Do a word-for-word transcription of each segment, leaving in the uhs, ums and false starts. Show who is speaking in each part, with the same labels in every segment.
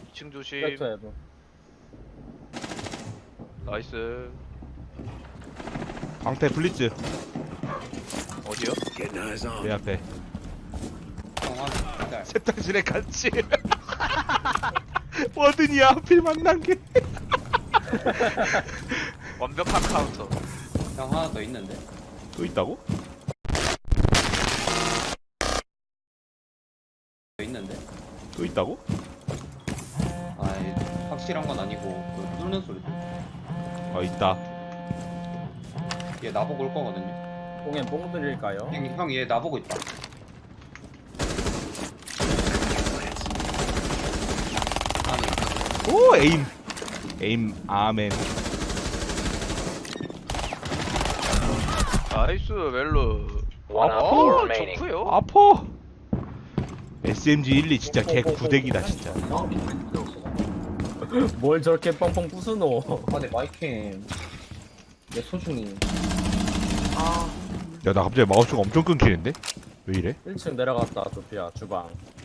Speaker 1: 이 층 조심.
Speaker 2: 백터 해보.
Speaker 1: 나이스.
Speaker 3: 방패 블리츠
Speaker 1: 어디요?
Speaker 3: 내 앞에
Speaker 4: 어,
Speaker 3: 세탁실에 같이 뭐든지 하필 만난 게
Speaker 1: 완벽한 카운터.
Speaker 4: 형 하나 더 있는데.
Speaker 3: 또 있다고?
Speaker 4: 더 있는데.
Speaker 3: 또 있다고?
Speaker 4: 아이 확실한 건 아니고 그 뚫는 소리.
Speaker 3: 어 있다.
Speaker 4: 얘 나보고 올 거거든요.
Speaker 2: 뽕엔 뽕 드릴까요?
Speaker 4: 형 얘 나보고 있다. 아니
Speaker 3: 오 에임 에임 아멘.
Speaker 1: 나이스 웰루.
Speaker 5: One op
Speaker 1: 어
Speaker 5: four remaining.
Speaker 1: 좋구요.
Speaker 3: 아퍼. 에스엠지 일이 진짜 개 구대기다 진짜.
Speaker 2: 뭘 저렇게 뻥뻥 부수노?
Speaker 6: 아, 내 마이캠. 내 소중히.
Speaker 3: 야 나 갑자기 마우스가 엄청 끊기는데? 왜 이래?
Speaker 2: 일 층 내려갔다, 조피아, 주방.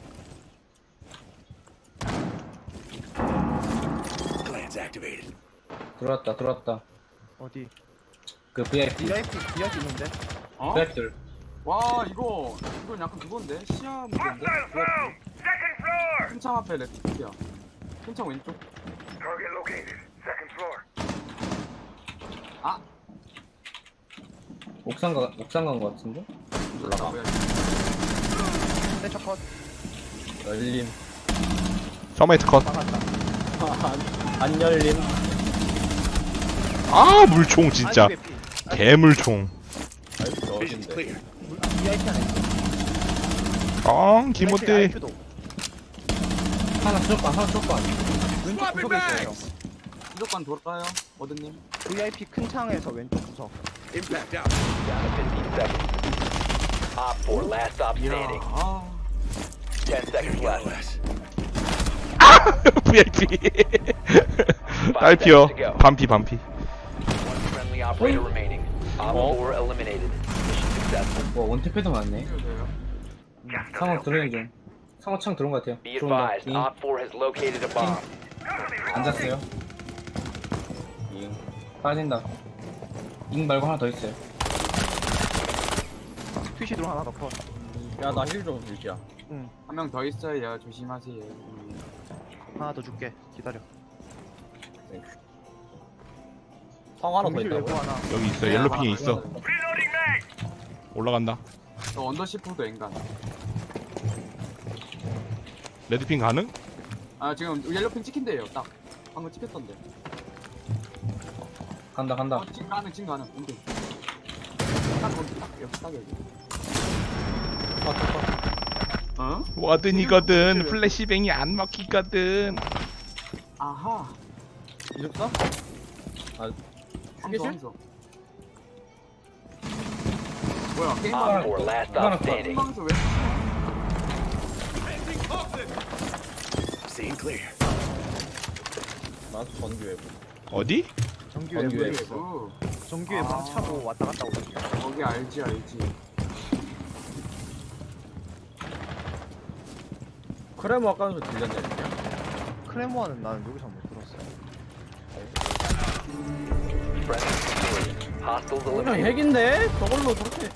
Speaker 6: 들어왔다, 들어왔다.
Speaker 7: 어디?
Speaker 6: 그 브이아이피.
Speaker 7: 브이아이피 브이아이피 있는데?
Speaker 8: 어?
Speaker 6: 브이아이피들.
Speaker 8: 와 이거 이건 약간 그건데 시야 문제인데. 큰창 앞에 레프트야. 큰창 왼쪽. 아
Speaker 6: 옥상 가, 옥상 간 거 같은데?
Speaker 8: 올라가. 뭐야?
Speaker 7: 세차 컷
Speaker 2: 열림.
Speaker 3: 서메이트 컷.
Speaker 7: 막았다.
Speaker 2: 안, 안 열림.
Speaker 3: 아 물총 진짜.
Speaker 7: 아이고, 개피.
Speaker 3: 개물총.
Speaker 2: 아이고, 저 어딘데?
Speaker 7: 물- 아, 브이아이피 하나 있어.
Speaker 3: 아 기모대.
Speaker 7: 아이큐도.
Speaker 6: 하나 쏠반, 하나 쏠반.
Speaker 7: 왼쪽 구석에 있어요.
Speaker 8: 무조건 돌아요 어드님.
Speaker 7: 브이아이피 큰 창에서 왼쪽 구석.
Speaker 5: Down to fifteen seconds. Op four, last stop
Speaker 8: 이야
Speaker 5: standing.
Speaker 8: 아
Speaker 5: Ten seconds left.
Speaker 3: 브이아이피.
Speaker 5: Five
Speaker 3: 딸피요.
Speaker 5: seconds to go.
Speaker 3: 반피 반피.
Speaker 5: One friendly operator remaining. Op four eliminated. Mission successful.
Speaker 6: 뭐, 원탭해도 많네.
Speaker 8: 이거 돼요.
Speaker 6: 상어 들어오는 중. 상어 창 들어온 거 같아요.
Speaker 5: Be
Speaker 6: 들어온다.
Speaker 5: advised,
Speaker 6: 잉.
Speaker 5: Op four has located a bomb.
Speaker 6: 앉았어요. 잉. 빠진다. 잉 말고 하나 더 있어요.
Speaker 7: 퀴시 드론 하나 더 컷.
Speaker 2: 야, 나 힐 좀 줄게야.
Speaker 8: 한 명 더 있어요. 조심하세요. 음.
Speaker 7: 하나 더 줄게. 기다려.
Speaker 2: 성 하나 더
Speaker 7: 공실
Speaker 2: 있다고?
Speaker 7: 외부 하나.
Speaker 3: 여기 있어.
Speaker 8: 네,
Speaker 3: 옐로핑에
Speaker 8: 하나
Speaker 3: 있어.
Speaker 8: 더 있어요.
Speaker 3: 올라간다.
Speaker 8: 저 언더시프도 엔간.
Speaker 3: 레드핑 가능?
Speaker 8: 아 지금 옐로핑 찍힌대요. 딱 방금 찍혔던데.
Speaker 6: 간다, 간다.
Speaker 8: 어, 지금 가는 지금 가는. 근데 딱 거기 딱 여기 딱 여기. 어?
Speaker 3: 워든이거든. 플래시뱅이 안 먹히거든.
Speaker 8: 아하.
Speaker 2: 이륙사? 아,
Speaker 8: 함소
Speaker 2: 휴게실?
Speaker 8: 함소. 뭐야 게임
Speaker 5: Op
Speaker 8: 방송
Speaker 5: four, last
Speaker 6: 하나
Speaker 5: stop standing.
Speaker 8: 방송 왜?
Speaker 2: 나 전기 외부.
Speaker 3: 어디?
Speaker 7: 정규
Speaker 2: 전기
Speaker 7: 외부.
Speaker 2: 외부.
Speaker 8: 어,
Speaker 7: 정규 외부
Speaker 8: 아.
Speaker 7: 차고 왔다 갔다 오거든요.
Speaker 8: 거기 알지 알지.
Speaker 2: 크레모 아까 소 들렸네.
Speaker 7: 크레모아는 나는 여기서 못 들었어.
Speaker 5: Friendly victorious. Hostiles
Speaker 2: 그냥
Speaker 5: eliminated.
Speaker 2: 핵인데? 저걸로 저렇게.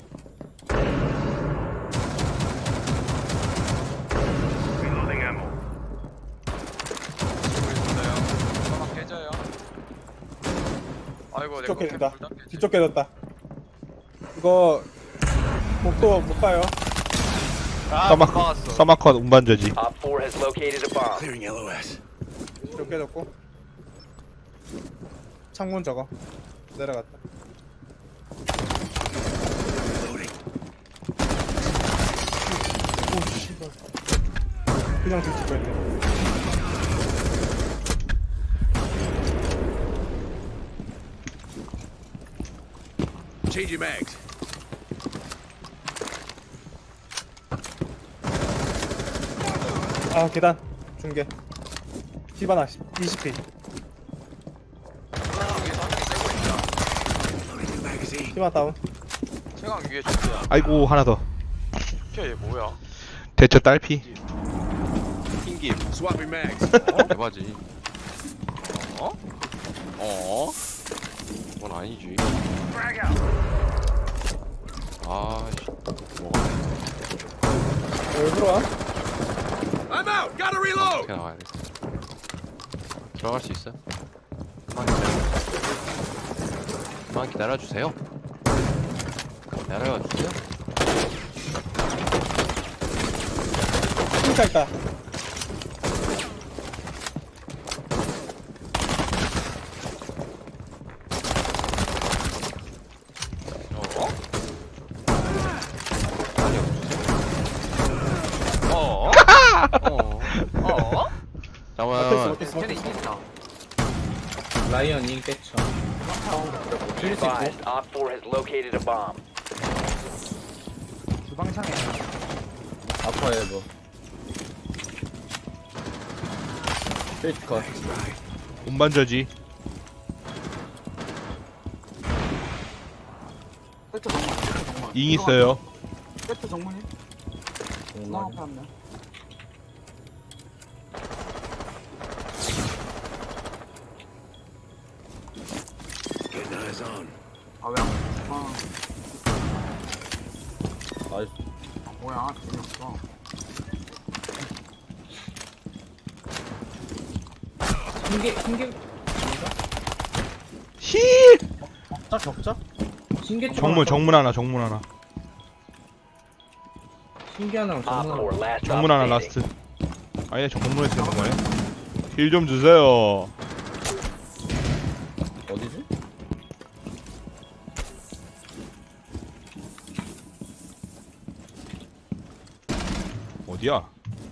Speaker 1: 아이고
Speaker 9: 뒤쪽
Speaker 1: 내가
Speaker 9: 깨졌다.
Speaker 1: 불 닫겠지.
Speaker 9: 뒤쪽 깨졌다. 이거 목도 못 가요.
Speaker 1: 아, 못
Speaker 3: 서마컷.
Speaker 1: 막았어.
Speaker 3: 서마컷 운반저지.
Speaker 5: Op four has located a bomb.
Speaker 9: 뒤쪽 깨졌고. 창문 저거 내려갔다. 오 씨발. 그냥 뒤쪽 뺐네. 아 계단 중계 히바나 이십 피 히바나 다운.
Speaker 1: 최강 위에 좋대야.
Speaker 3: 아이고 하나 더.
Speaker 1: 걔 뭐야?
Speaker 3: 대처 딸피.
Speaker 10: 튕김. 대바지. 어? 어? 그건 아니지. 아씨. 뭐가
Speaker 9: 왜 들어와?
Speaker 10: 어떻게 나가야 돼? 들어갈 수 있어? 그만 기다려. 그만 기다려주세요. 기다려주세요.
Speaker 9: 핑카 있다.
Speaker 10: 어? 아니 없으세요? 어? 어? 어? 잠깐만.
Speaker 8: 쟤네 이긴다.
Speaker 6: 라이언 인겠죠.
Speaker 5: Be advised, Op four has located a bomb.
Speaker 7: 주방창에
Speaker 2: 아파해 뭐. 스위치 컷.
Speaker 3: 운반저지.
Speaker 8: 세트 정문. 세트 정문.
Speaker 3: 잉 있어요.
Speaker 8: 세트 정문이. 나 앞에 한 명. 아 왜? 아
Speaker 2: 나이스.
Speaker 8: 뭐야? 재미없어.
Speaker 6: 흰개 흰개
Speaker 3: 히.
Speaker 2: 격자 격자?
Speaker 6: 흰개
Speaker 3: 정문 정문 하나 정문 하나.
Speaker 6: 흰개 하나랑
Speaker 5: Op
Speaker 6: 정문
Speaker 5: four
Speaker 6: 하나.
Speaker 5: last
Speaker 3: 정문 하나
Speaker 5: op standing.
Speaker 3: 라스트. 아니야 정문에서 있는 거네. 힐 좀 주세요.
Speaker 2: 어디지?
Speaker 3: 어디야?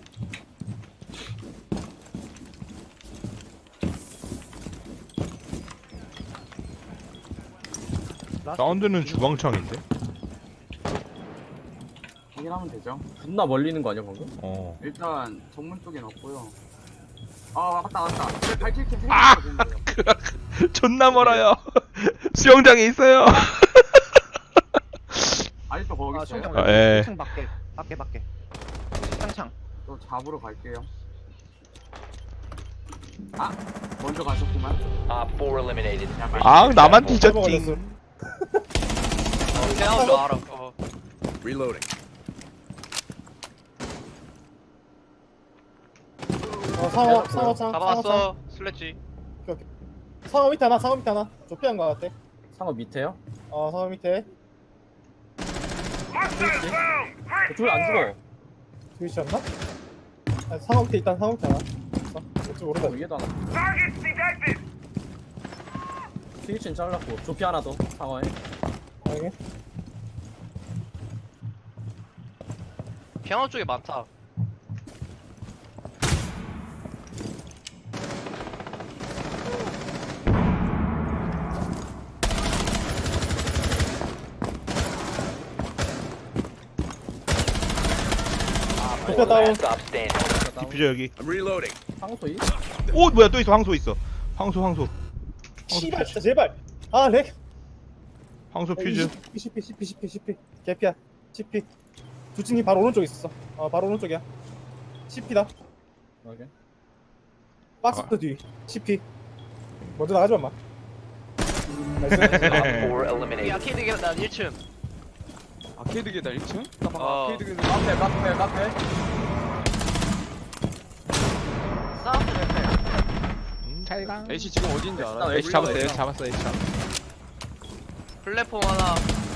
Speaker 3: 사운드는 주방창인데?
Speaker 8: 확인하면 되죠.
Speaker 2: 존나 멀리 있는 거 아니야 방금?
Speaker 3: 어.
Speaker 8: 일단 정문 쪽엔 없고요. 아 맞다 맞다. 발키리 캠
Speaker 3: 아!
Speaker 8: 생각보다 되는 거예요.
Speaker 3: 존나 멀어요. 수영장에 있어요.
Speaker 8: 아직도 거기
Speaker 7: 아
Speaker 8: 있어요.
Speaker 7: 수영장
Speaker 3: 아, 예.
Speaker 7: 일 층 밖에 밖에 밖에 창창
Speaker 8: 또 잡으러 갈게요. 아 먼저 가셨구만.
Speaker 5: Op four eliminated.
Speaker 3: 아 나만
Speaker 9: 먹었어.
Speaker 3: 뒤졌지.
Speaker 1: 깨나올 줄 알아. 어.
Speaker 9: 어 상어 상어 창. 상어 창.
Speaker 1: 잡아놨어. 슬래지.
Speaker 9: 상어 밑에 하나. 상어 밑에 하나. 좁히한 거 같아.
Speaker 2: 상어 밑에요?
Speaker 9: 어 상어 밑에.
Speaker 2: 저쪽에 안 죽어.
Speaker 9: 스위치였나? 아, 상어 밑에 일단 상어 밑에 하나. 어, 어찌 모르다.
Speaker 2: 상어 위에도 하나. 스위치는 잘랐고 조피 하나 더 상어에.
Speaker 9: 아니.
Speaker 1: 피아노 쪽에 많다.
Speaker 5: Op
Speaker 9: Put
Speaker 5: four
Speaker 9: that down.
Speaker 5: last op standing.
Speaker 3: 디퓨저 여기.
Speaker 2: 상어 소이?
Speaker 3: 오 뭐야 또 있어 황소 있어. 황소 황소.
Speaker 9: 씨발 진짜 제발. 아 렉.
Speaker 3: 황소 퓨즈.
Speaker 9: 씨피 씨피 씨피 씨피 개피야. 씨피. 두친이 바로 오른쪽에 있었어. 어 바로 오른쪽이야. 씨피다.
Speaker 2: 오케이.
Speaker 9: 박스 뒤. 씨피. 먼저 나가지 마. 나이스.
Speaker 5: Op four
Speaker 1: 이
Speaker 5: eliminated.
Speaker 1: 아케이드 계단 일 층.
Speaker 10: 아케이드 계단 일 층? 나 방금
Speaker 1: 어.
Speaker 10: 아케이드 계단.
Speaker 2: 카페 카페 카페.
Speaker 1: 사운드 레펠.
Speaker 3: 잘가.
Speaker 10: A씨 지금 어딘지 알아?
Speaker 2: 나
Speaker 3: H 잡았어 H 잡았어 H 잡았어.
Speaker 1: 플랫폼 하나.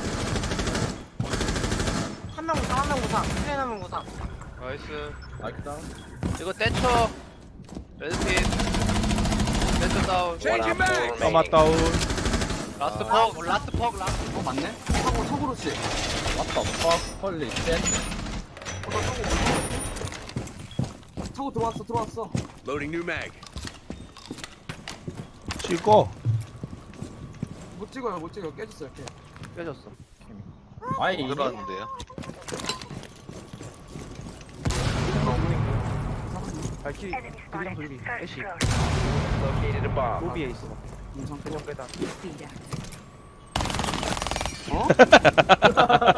Speaker 8: 한 명 무상 한 명 무상. 트레인 한명 무상.
Speaker 1: 나이스.
Speaker 2: 마이크 다운.
Speaker 1: 이거 떼쳐. 레드핀. 떼쳐 다운.
Speaker 5: One op four
Speaker 3: 까마
Speaker 5: remaining.
Speaker 3: 다운.
Speaker 1: 라스트 퍽. 라스트 퍽. 라스트
Speaker 8: 어 맞네. 차고 차고로 씨.
Speaker 2: 왔다 퍽 헐리 쉣.
Speaker 8: 차고 들어왔어 들어왔어.
Speaker 3: 찍어.
Speaker 8: 못 찍어요 못 찍어요 깨졌어 이렇게.
Speaker 7: 깨졌어
Speaker 2: 아이 이게
Speaker 7: 발키리 돌리랑 돌리 애쉬
Speaker 5: Located a bomb.
Speaker 7: 로비에 있어
Speaker 8: 인천 그냥 빼다.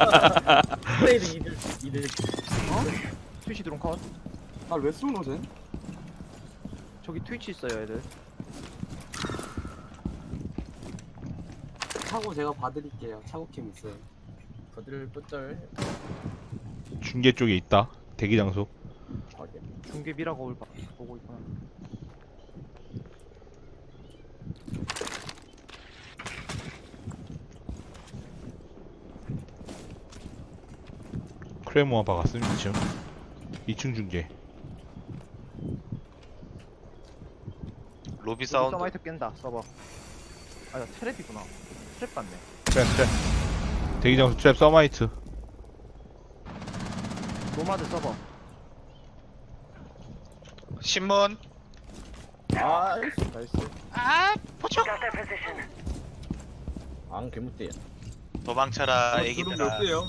Speaker 2: 플레이드 이들 이들.
Speaker 7: 스위치 드론 컷
Speaker 8: 날왜 쏘노 쟤?
Speaker 7: 저기 트위치 있어요 애들.
Speaker 8: 차고 제가 봐드릴게요. 차고캠 있어요.
Speaker 2: 거들 뿌쩔.
Speaker 3: 중계 쪽에 있다. 대기 장소.
Speaker 2: 확인.
Speaker 7: 중계 미라고 봐- 보고 있구나.
Speaker 3: 크레모아 박았음 이 층. 이 층 중계.
Speaker 1: 로비
Speaker 7: 사운드. 서마이트 깬다 서버. 아나 트랩이구나. 트랩 같네.
Speaker 3: 트랩 트랩. 대기 장소 트랩 서마이트.
Speaker 7: 노마드 서버.
Speaker 1: 신문.
Speaker 2: 나이스 나이스.
Speaker 1: 아, 포착.
Speaker 2: 안 개무띠야.
Speaker 1: 도망쳐라,
Speaker 8: 드론 몇 개요?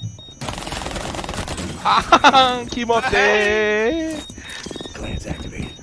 Speaker 3: 아하하 김어때.